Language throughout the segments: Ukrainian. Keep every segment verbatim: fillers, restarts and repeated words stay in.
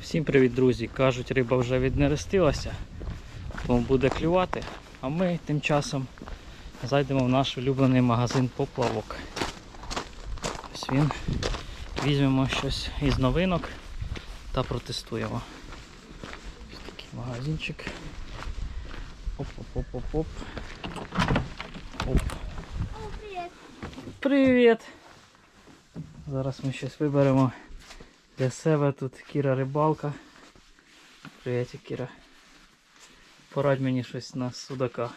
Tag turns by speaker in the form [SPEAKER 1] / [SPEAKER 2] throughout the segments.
[SPEAKER 1] Всім привіт, друзі! Кажуть, риба вже віднерестилася, тому буде клювати. А ми тим часом зайдемо в наш улюблений магазин поплавок. Ось він. Візьмемо щось із новинок та протестуємо. Ось такий магазинчик. Оп-оп-оп-оп-оп. Оп.
[SPEAKER 2] О, привіт!
[SPEAKER 1] Привіт! Зараз ми щось виберемо для себе. Тут Кіра рибалка. Привіт, Кіра. Порадь мені щось на судака.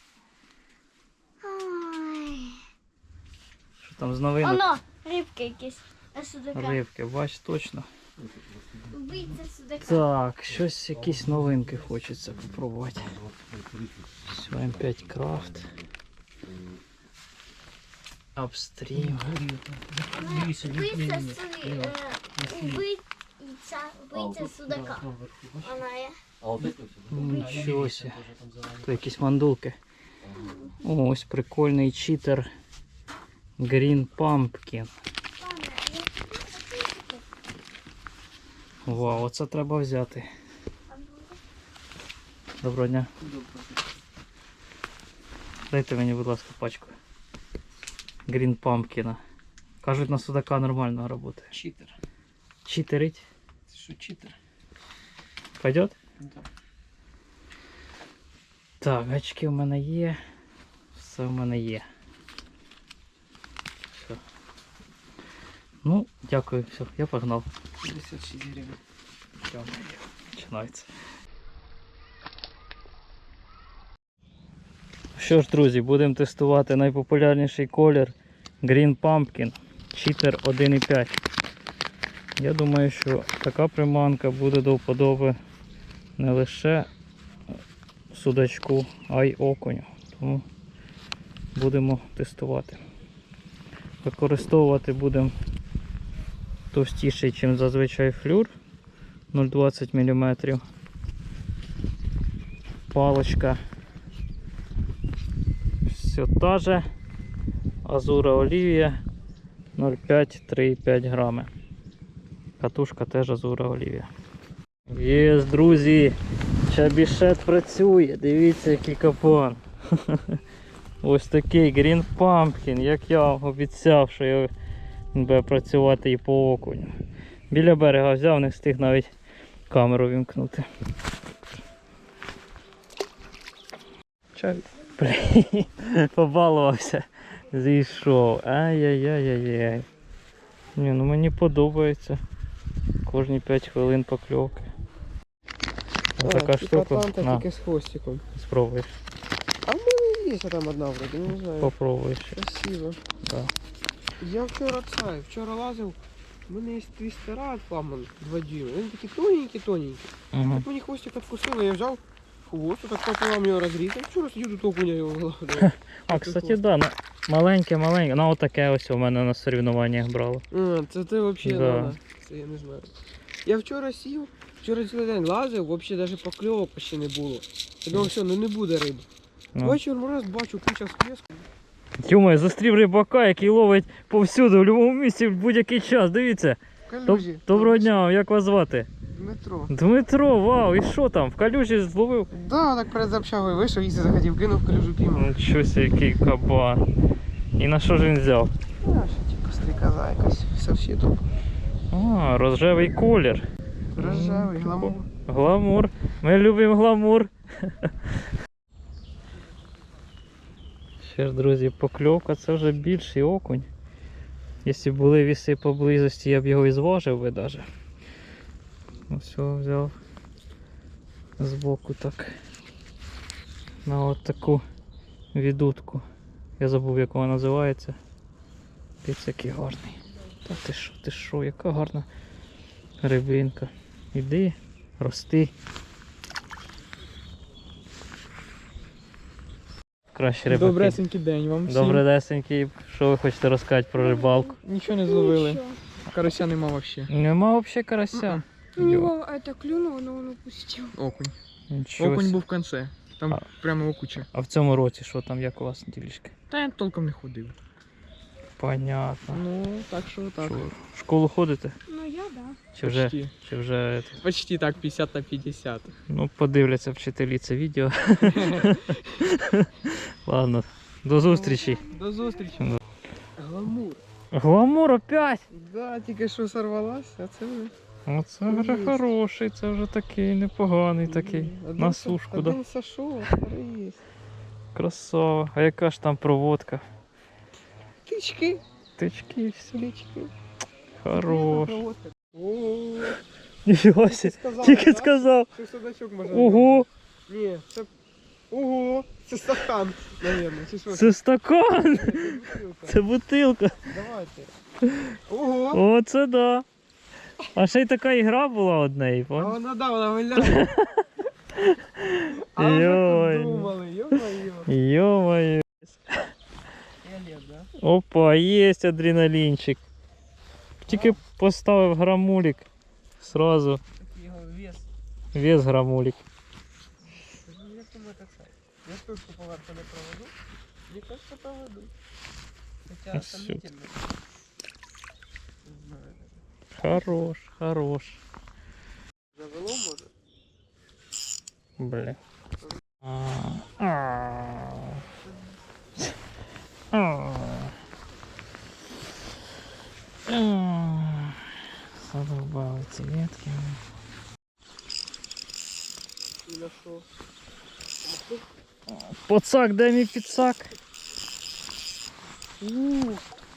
[SPEAKER 2] Ой.
[SPEAKER 1] Що там з новинок?
[SPEAKER 2] Оно, рибки якісь. А судака.
[SPEAKER 1] Рибки, бач, точно.
[SPEAKER 2] Вбийця судака.
[SPEAKER 1] Так, щось, якісь новинки хочеться попробувати. Все, ем п'ять Крафт. Апстрім.
[SPEAKER 2] Вбийця судака. Вбийця, вбийця судака. Вона є.
[SPEAKER 1] Нічого себе. Тут якісь мандулки. О, ось прикольний читер. Green Pumpkin. Вау, оце треба взяти. Доброго дня. Дайте мені, будь ласка, пачку. Green Pumpkin. Кажуть, на судака нормально працює.
[SPEAKER 3] Читер.
[SPEAKER 1] Читерить?
[SPEAKER 3] Что читер?
[SPEAKER 1] Пойдет?
[SPEAKER 3] Да.
[SPEAKER 1] Так, гачки в мене є. Все в мене є. Все. Ну, дякую, все, я погнав.
[SPEAKER 3] пятьдесят шесть гривен.
[SPEAKER 1] Все, починається. Що ж, друзі, будемо тестувати найпопулярніший колір Green Pumpkin Cheater один і п'ять. Я думаю, що така приманка буде до вподоби не лише судачку, а й окуню. Тому будемо тестувати. Використовувати будемо товстіший, ніж зазвичай флюр, нуль двадцять міліметрів. Палочка все та же. Азура Олівія нуль п'ять - три і п'ять грами. Катушка теж Азура Олівія. Є, друзі, чабішет працює. Дивіться, який капан. Ось такий Green Pumpkin, як я обіцяв, що я буде працювати і по окуню. Біля берега взяв, не встиг навіть камеру вімкнути. Чай. Побалувався. Зійшов. Ай-яй-яй-яй-яй. Ні, ну мені подобається. Кожні п'ять хвилин покльовки. Ось така штука. На,
[SPEAKER 3] Тільки з хвостиком.
[SPEAKER 1] спробуєш.
[SPEAKER 3] А в мене є там одна вроді, не знаю.
[SPEAKER 1] Попробуєш.
[SPEAKER 3] Красиво.
[SPEAKER 1] Да.
[SPEAKER 3] Я вчора це, вчора лазив, у мене є твістера фламан два дюйма. Вони такі тоненькі-тоненькі.
[SPEAKER 1] Угу.
[SPEAKER 3] От мені хвостик відкусило, я взяв хвост, так пополам його розрізав. Вчора сидів тут окуня його гладив.
[SPEAKER 1] А, кстати, да, на- маленьке-маленьке. Ну отаке ось у мене на соревнованнях брало.
[SPEAKER 3] А, це ти взагалі,
[SPEAKER 1] Да.
[SPEAKER 3] да. Це я не знаю. Я вчора сів, вчора цілий день лазив, взагалі навіть покльовок ще не було. Я думав, все, ну не буде риби.
[SPEAKER 1] Ну.
[SPEAKER 3] Вечором раз бачу куча сплеску.
[SPEAKER 1] Тьома, зустрів рибака, який ловить повсюди, в будь-якому місці, в будь-який час. Дивіться.
[SPEAKER 3] Калюжі.
[SPEAKER 1] Доброго дня, як вас звати?
[SPEAKER 3] Дмитро.
[SPEAKER 1] Дмитро, вау, і що там? В калюжі зловив?
[SPEAKER 3] Да, так перед общагою вийшов, їсти захотів, кинув калюжу піймав.
[SPEAKER 1] Нічого себе, який кабан. І на що ж він взяв?
[SPEAKER 3] А, що типу стрікоза якась, совсіду.
[SPEAKER 1] А, рожевий колір.
[SPEAKER 3] Рожевий, гламур.
[SPEAKER 1] Гламур. Ми любимо гламур. Ще ж, друзі, покльовка це вже більший окунь. Якщо б були віси поблизості, я б його і зважив би навіть. Ось його взяв збоку так. На от таку відутку. Я забув, як вона називається. Піць який гарний. Та ти що, ти що, яка гарна рибинка. Іди, рости. Краще рибаки.
[SPEAKER 3] Добресенький день вам всім.
[SPEAKER 1] Добродесенький. Що ви хочете розказати про рибалку?
[SPEAKER 3] Нічого не зловили. Карася нема взагалі.
[SPEAKER 1] Нема взагалі карася.
[SPEAKER 4] У него это клюнуло, но он упустил.
[SPEAKER 3] Окунь.
[SPEAKER 1] Нічого.
[SPEAKER 3] Окунь
[SPEAKER 1] сі.
[SPEAKER 3] був в кінці. Там
[SPEAKER 1] А.
[SPEAKER 3] прямо окуча.
[SPEAKER 1] А в цьому році що там, як у вас ділішки?
[SPEAKER 3] Та я толком не ходив.
[SPEAKER 1] Понятно.
[SPEAKER 3] Ну, так що так.
[SPEAKER 1] Що, в школу ходите?
[SPEAKER 4] Но я Я, да.
[SPEAKER 1] Чи вже,
[SPEAKER 3] Почти.
[SPEAKER 1] чи вже
[SPEAKER 3] Почти так, п'ятдесят на п'ятдесят.
[SPEAKER 1] ну, подивляться вчителі це відео. Ладно, до зустрічі.
[SPEAKER 3] До зустрічі. Гламур.
[SPEAKER 1] Гламур опять!
[SPEAKER 3] Да, тільки що сорвалась, а це вже.
[SPEAKER 1] Оце вже
[SPEAKER 3] Є.
[SPEAKER 1] хороший, це вже такий непоганий такий.
[SPEAKER 3] Один
[SPEAKER 1] На
[SPEAKER 3] со-
[SPEAKER 1] сушку, да.
[SPEAKER 3] Один сошов, а второй є.
[SPEAKER 1] Красава. А яка ж там проводка?
[SPEAKER 3] Тички,
[SPEAKER 1] Тички і все.
[SPEAKER 3] тички.
[SPEAKER 1] Хорош.
[SPEAKER 3] О,
[SPEAKER 1] Ніфіга
[SPEAKER 3] тільки
[SPEAKER 1] сі.
[SPEAKER 3] сказала,
[SPEAKER 1] Тільки
[SPEAKER 3] да?
[SPEAKER 1] сказав.
[SPEAKER 3] Що судачок може.
[SPEAKER 1] Ого!
[SPEAKER 3] Ні, це. Ого! Це стакан, наверное. Чи що?
[SPEAKER 1] Це стакан!
[SPEAKER 3] Це бутилка.
[SPEAKER 1] Це бутилка.
[SPEAKER 3] Давайте. Ого!
[SPEAKER 1] О, це да. А ще й така ігра була одне,
[SPEAKER 3] А
[SPEAKER 1] понял?
[SPEAKER 3] вона да, вона виляє. А вже
[SPEAKER 1] Йой.
[SPEAKER 3] подумали, йо-моє.
[SPEAKER 1] Йо-моє.
[SPEAKER 3] Фіолет, да?
[SPEAKER 1] Опа, є адреналінчик. Тільки поставив грамулік. Сразу
[SPEAKER 3] Такий його вес.
[SPEAKER 1] вес грамулік.
[SPEAKER 3] Ну, як думаю, так само. Я штучку поверху не проведу. Мені кажется, проведу. Хоча
[SPEAKER 1] А всё.
[SPEAKER 3] сомнительно. Не знаю.
[SPEAKER 1] Хорош, хорош.
[SPEAKER 3] Завело, може?
[SPEAKER 1] Бля. А. А. А. А. Задолбали ці ветки.
[SPEAKER 3] І на що?
[SPEAKER 1] Поцак, дай мій підсак.
[SPEAKER 3] Ууу.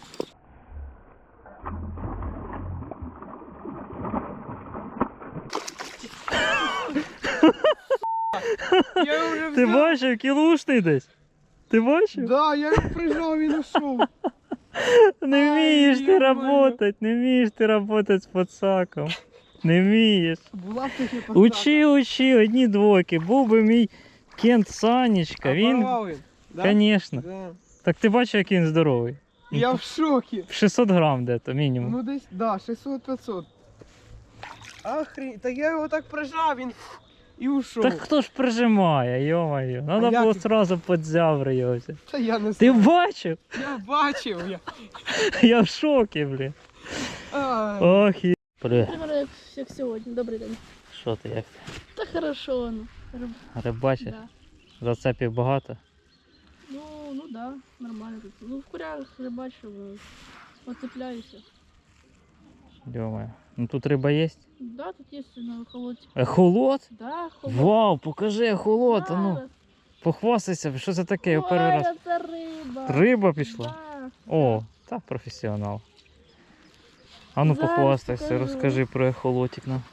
[SPEAKER 3] Я вже
[SPEAKER 1] Ти
[SPEAKER 3] взяв.
[SPEAKER 1] бачив, кілушний десь? Ти бачив?
[SPEAKER 3] Да, я його прижав і знайшов.
[SPEAKER 1] Не вмієш ти
[SPEAKER 3] ё-моё.
[SPEAKER 1] работать, не вмієш ти работать з подсаком. Не вмієш.
[SPEAKER 3] Була б таки посадка.
[SPEAKER 1] Учи, учи, одні двойки. Був би мій Кент Санечка,
[SPEAKER 3] А
[SPEAKER 1] він,
[SPEAKER 3] порвав він? Да?
[SPEAKER 1] звісно.
[SPEAKER 3] Да.
[SPEAKER 1] Так ти бачив, який він здоровий.
[SPEAKER 3] Я в шокі.
[SPEAKER 1] шістсот грам де-то мінімум.
[SPEAKER 3] Ну десь, да, шістсот п'ятсот. Охрень, та я його так прижав, він і ушов.
[SPEAKER 1] Так хто ж прижимає, йо-моє. Надо
[SPEAKER 3] як
[SPEAKER 1] було
[SPEAKER 3] він?
[SPEAKER 1] одразу під зябри його взяти.
[SPEAKER 3] Та я не
[SPEAKER 1] Ти
[SPEAKER 3] знаю.
[SPEAKER 1] бачив?
[SPEAKER 3] Я бачив. Я...
[SPEAKER 1] Я в шокі, блін.
[SPEAKER 3] Ай.
[SPEAKER 1] Ох, є. Привіт.
[SPEAKER 5] Примерно як, як сьогодні. Добрий день.
[SPEAKER 1] Що ти, як ти?
[SPEAKER 5] Та хорошо, ну. Риб-
[SPEAKER 1] Рибачиш?
[SPEAKER 5] Да.
[SPEAKER 1] Зацепів багато?
[SPEAKER 5] Ну, ну да, нормально тут. Ну, в курях рибачу, е, оцепляюся.
[SPEAKER 1] Йо-моє. Ну тут риба є?
[SPEAKER 5] Да, тут є на холодці.
[SPEAKER 1] Ехолот?
[SPEAKER 5] Да, холод.
[SPEAKER 1] Вау, покажи ехолот, а ну.
[SPEAKER 5] Зараз.
[SPEAKER 1] Похвастайся, що це таке? Я
[SPEAKER 5] Ой,
[SPEAKER 1] перший раз.
[SPEAKER 5] це риба.
[SPEAKER 1] Риба пішла?
[SPEAKER 5] Да.
[SPEAKER 1] О, та професіонал. А ну
[SPEAKER 5] Зараз
[SPEAKER 1] похвастайся,
[SPEAKER 5] покажу.
[SPEAKER 1] розкажи про ехолотик нам.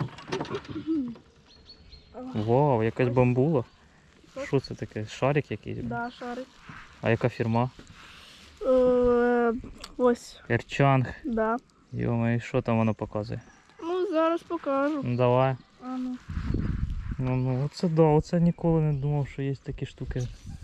[SPEAKER 1] Вау, якась бамбула. Що це таке? Шарик якийсь?
[SPEAKER 5] Да, шарик.
[SPEAKER 1] А яка фірма?
[SPEAKER 5] Е, ось,
[SPEAKER 1] Ерчанг.
[SPEAKER 5] да.
[SPEAKER 1] Йома, і що там воно показує?
[SPEAKER 5] Ну, зараз покажу.
[SPEAKER 1] Ну давай.
[SPEAKER 5] А ну.
[SPEAKER 1] Ну, ну оце да, оце ніколи не думав, що є такі штуки.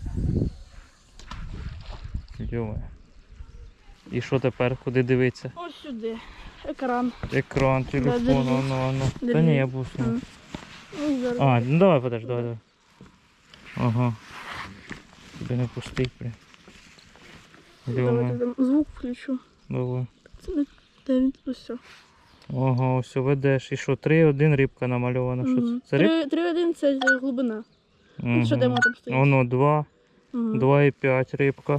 [SPEAKER 1] Йома. І що тепер? Куди дивитися?
[SPEAKER 5] Ось сюди. Екран.
[SPEAKER 1] Екран, телефон,
[SPEAKER 5] держи.
[SPEAKER 1] ану, ану. Та
[SPEAKER 5] Держи.
[SPEAKER 1] ні, я був.
[SPEAKER 5] М. Ну, зараз.
[SPEAKER 1] А, ну давай, подожди, давай, давай. Ага. Тебе не пустить, блін.
[SPEAKER 5] Давайте
[SPEAKER 1] Йома,
[SPEAKER 5] там звук включу.
[SPEAKER 1] давай.
[SPEAKER 5] Це не де він ось все.
[SPEAKER 1] Ага, все ведеш. І що, три один рибка намальована. Що це? Це риб?
[SPEAKER 5] три один це глибина.
[SPEAKER 1] Угу.
[SPEAKER 5] що демо там стоїть?
[SPEAKER 1] Воно два,
[SPEAKER 5] Угу.
[SPEAKER 1] два і п'ять рибка.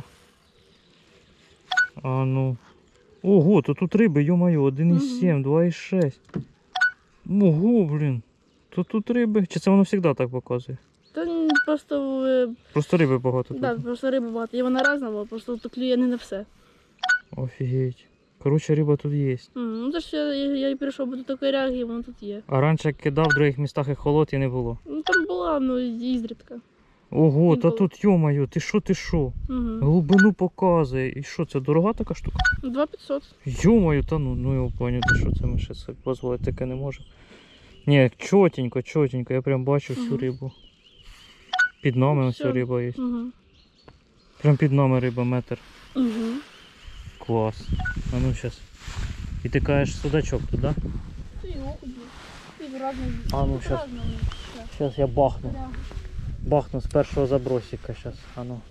[SPEAKER 1] А ну. Ого, то тут риби, йо-моє, один і сім, два і шість. Ого, блін. То тут риби. Чи це воно завжди так показує?
[SPEAKER 5] Та ні, просто, е,
[SPEAKER 1] Просто риби багато
[SPEAKER 5] да,
[SPEAKER 1] тут.
[SPEAKER 5] просто риби багато. І вона різна, була, просто тут клює не на все.
[SPEAKER 1] Офігеть. Коротше, риба тут є.
[SPEAKER 5] М, Ну, це ж я, я, я і прийшов, бо тут такої реагії, воно тут є.
[SPEAKER 1] А раніше як кидав в других містах і холод і не було.
[SPEAKER 5] Ну там була, ну, ізрідка.
[SPEAKER 1] Ого, та
[SPEAKER 5] Інколи.
[SPEAKER 1] тут, йо-моє, ти що, ти що?
[SPEAKER 5] Угу.
[SPEAKER 1] Глибину показує. І що, це дорога така штука?
[SPEAKER 5] два п'ятсот.
[SPEAKER 1] Йо-моє, та ну, ну його поняти, що це ми ще собі дозволити таке не можемо. Ні, чотенько, чотенько, я прям бачу всю
[SPEAKER 5] Мгм.
[SPEAKER 1] рибу. Під нами
[SPEAKER 5] Ну,
[SPEAKER 1] ось
[SPEAKER 5] всё.
[SPEAKER 1] риба є.
[SPEAKER 5] Угу.
[SPEAKER 1] Прям під нами риба метр.
[SPEAKER 5] Угу.
[SPEAKER 1] Клас. А ну зараз. І ти кажеш судачок тут, да?
[SPEAKER 5] Ти його ходив. Ти разний.
[SPEAKER 1] А ну, щас. Зараз я бахну. Бахну з першого забросика зараз. А ну.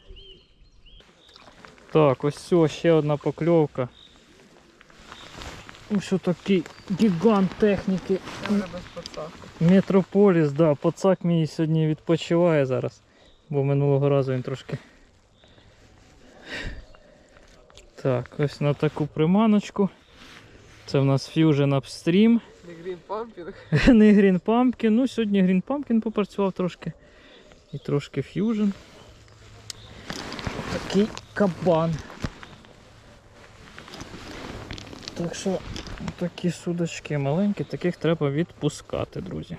[SPEAKER 1] Так, ось все, ще одна покльовка. Ось такий гігант техніки.
[SPEAKER 3] Я вже без пацака.
[SPEAKER 1] Метрополіс, да, пацак мій сьогодні відпочиває зараз, бо минулого разу він трошки. Так, ось на таку приманочку. Це в нас Fusion Upstream.
[SPEAKER 3] Не Green Pumping.
[SPEAKER 1] Не Green Pumpkin. Ну, сьогодні Green Pumpkin попрацював трошки. І трошки Fusion. Такий кабан. Так що такі судочки маленькі, таких треба відпускати, друзі.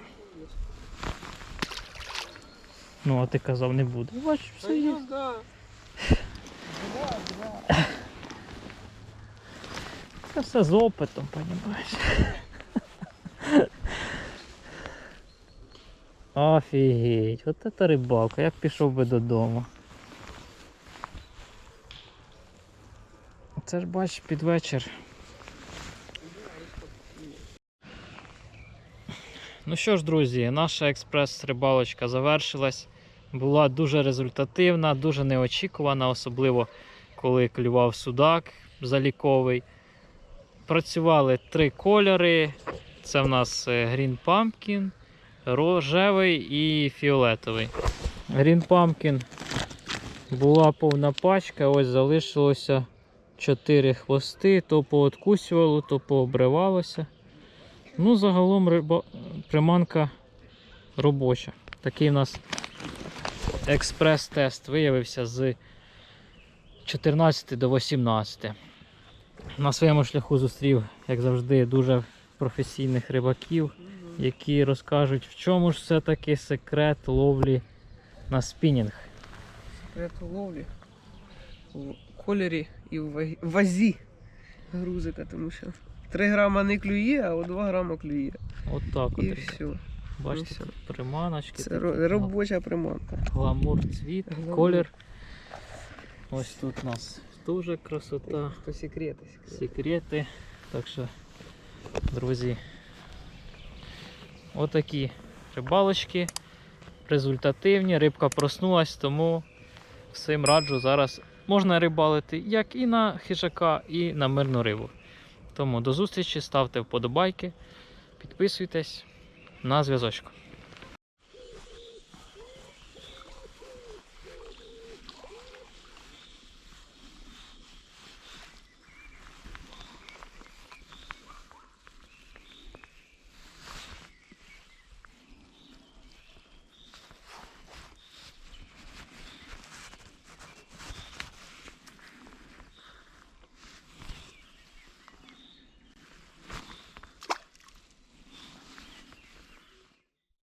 [SPEAKER 1] Ну, а ти казав, не буде. Бачиш, все є.
[SPEAKER 3] Ну, да.
[SPEAKER 1] Це все з опитом, розумієш. Офігеть, от це рибалка, я б пішов би додому. Це ж бачиш під вечір. Ну що ж, друзі, наша експрес-рибалочка завершилась. Була дуже результативна, дуже неочікувана, особливо коли клював судак заліковий. Працювали три кольори. Це в нас Green Pumpkin, рожевий і фіолетовий. Green Pumpkin була повна пачка, ось залишилося чотири хвости, то пооткусювало, то пообривалося. Ну, загалом риба... приманка робоча. Такий у нас експрес-тест виявився з чотирнадцяти до вісімнадцяти. На своєму шляху зустрів, як завжди, дуже професійних рибаків, які розкажуть, в чому ж все-таки секрет ловлі на спінінг.
[SPEAKER 3] Секрет ловлі в кольорі і в вагі- вазі грузика, тому що три грама не клює, а от два грама клює.
[SPEAKER 1] От так от.
[SPEAKER 3] І
[SPEAKER 1] ребята.
[SPEAKER 3] все.
[SPEAKER 1] Бачите,
[SPEAKER 3] І все.
[SPEAKER 1] тут приманочки.
[SPEAKER 3] Це
[SPEAKER 1] тут
[SPEAKER 3] ро- робоча приманка.
[SPEAKER 1] гламур, цвіт,
[SPEAKER 3] Гламур.
[SPEAKER 1] колір. Ось тут у нас дуже красота.
[SPEAKER 3] То секрети. секрети.
[SPEAKER 1] Секрети. Так що, друзі, отакі рибалочки результативні. Рибка проснулась, тому всім раджу зараз можна рибалити як і на хижака, і на мирну рибу. Тому до зустрічі, ставте вподобайки, підписуйтесь, на зв'язочку.